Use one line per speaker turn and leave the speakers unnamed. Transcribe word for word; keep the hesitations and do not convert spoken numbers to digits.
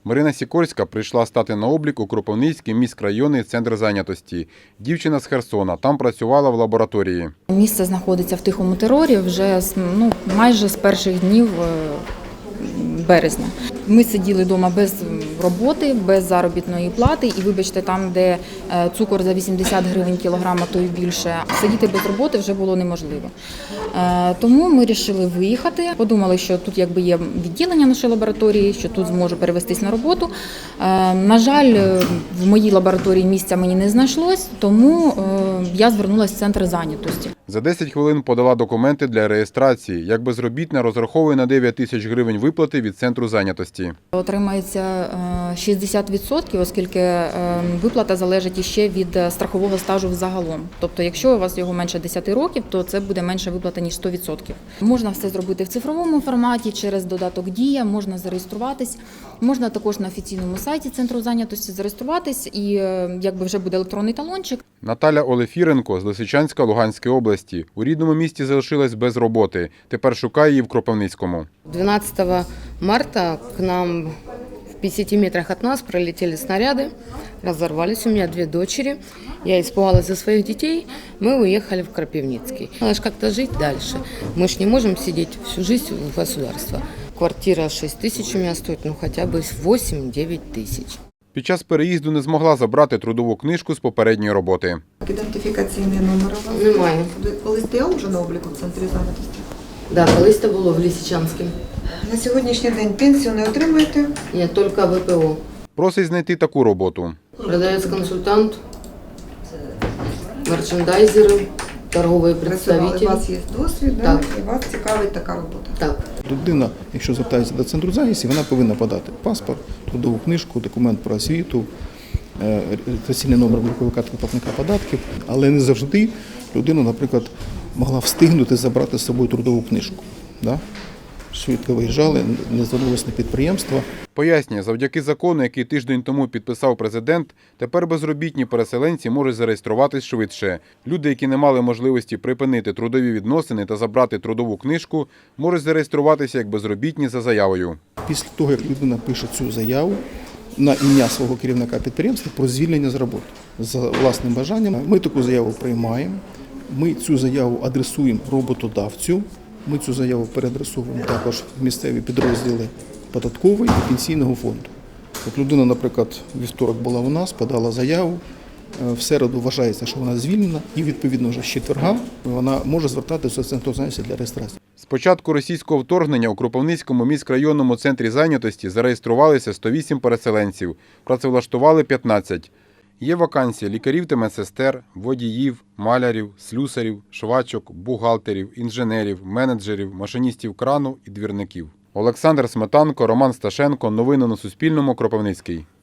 Марина Сікорська прийшла стати на облік у Кропивницький міськрайонний центр зайнятості. Дівчина з Херсона, там працювала в лабораторії.
Місце знаходиться в Тихому Терорі вже ну, майже з перших днів березня. Ми сиділи вдома без роботи, без заробітної плати і, вибачте, там, де цукор за вісімдесят гривень кілограм, а то й більше, сидіти без роботи вже було неможливо. Тому ми вирішили виїхати, подумали, що тут якби є відділення нашої лабораторії, що тут зможу перевестись на роботу. На жаль, в моїй лабораторії місця мені не знайшлось, тому я звернулася в центр зайнятості.
За десять хвилин подала документи для реєстрації. Як безробітна, розраховує на дев'ять тисяч гривень виплати від центру зайнятості.
Отримається шістдесят відсотків, оскільки виплата залежить іще від страхового стажу взагалом. Тобто, якщо у вас його менше десяти років, то це буде менша виплата, ніж сто відсотків. Можна все зробити в цифровому форматі, через додаток «Дія», можна зареєструватись. Можна також на офіційному сайті центру зайнятості зареєструватись і якби вже буде електронний талончик.
Наталя Олефіренко з Лисичанська Луганської області. У рідному місті залишилась без роботи. Тепер шукає її в Кропивницькому.
двенадцатого марта к нам в пятидесяти метрах от нас пролетели снаряды, разорвались. У меня две дочери. Я испугалась за своих детей. Мы уехали в Кропивницкий. Надо же как-то жить дальше. Мы же не можем сидеть всю жизнь в государстве. Квартира шесть тысяч у меня стоит, ну хотя бы восемь-девять тысяч.
Під час переїзду не змогла забрати трудову книжку з попередньої роботи.
Ідентифікаційний номер у вас?
Немає.
Ви коли стояли вже на обліку в центрі зайнятості?
Да, колись це було в Лисичанському.
На сьогоднішній день пенсію не отримуєте?
Ні, тільки В П О.
Просить знайти таку роботу.
Продавець-консультант, мерчендайзери, торговий
Працювали, у
представитель.
вас є досвід, да?
Так.
І вас цікавить така робота?
Так.
Людина, якщо звертається до центру зайнятості, вона повинна подати паспорт, трудову книжку, документ про освіту, реєстраційний номер облікової картки платника податків, але не завжди людина, наприклад, могла встигнути забрати з собою трудову книжку. Да? Швидко виїжджали, не звернулися на підприємства.
Пояснює, завдяки закону, який тиждень тому підписав президент, тепер безробітні переселенці можуть зареєструватись швидше. Люди, які не мали можливості припинити трудові відносини та забрати трудову книжку, можуть зареєструватися як безробітні за заявою.
Після того, як людина пише цю заяву на ім'я свого керівника підприємства про звільнення з роботи за власним бажанням, ми таку заяву приймаємо, ми цю заяву адресуємо роботодавцю, ми цю заяву переадресовуємо також в місцеві підрозділи податкової і пенсійного фонду. От людина, наприклад, в вівторок була у нас, подала заяву, в середу вважається, що вона звільнена, і відповідно вже з четверга вона може звертатися до центру зайнятості для реєстрації.
З початку російського вторгнення у Кропивницькому міськрайонному центрі зайнятості зареєструвалися сто вісім переселенців, працевлаштували п'ятнадцять. Є вакансії лікарів та медсестер, водіїв, малярів, слюсарів, швачок, бухгалтерів, інженерів, менеджерів, машиністів крану і двірників. Олександр Сметанко, Роман Сташенко. Новини на Суспільному. Кропивницький.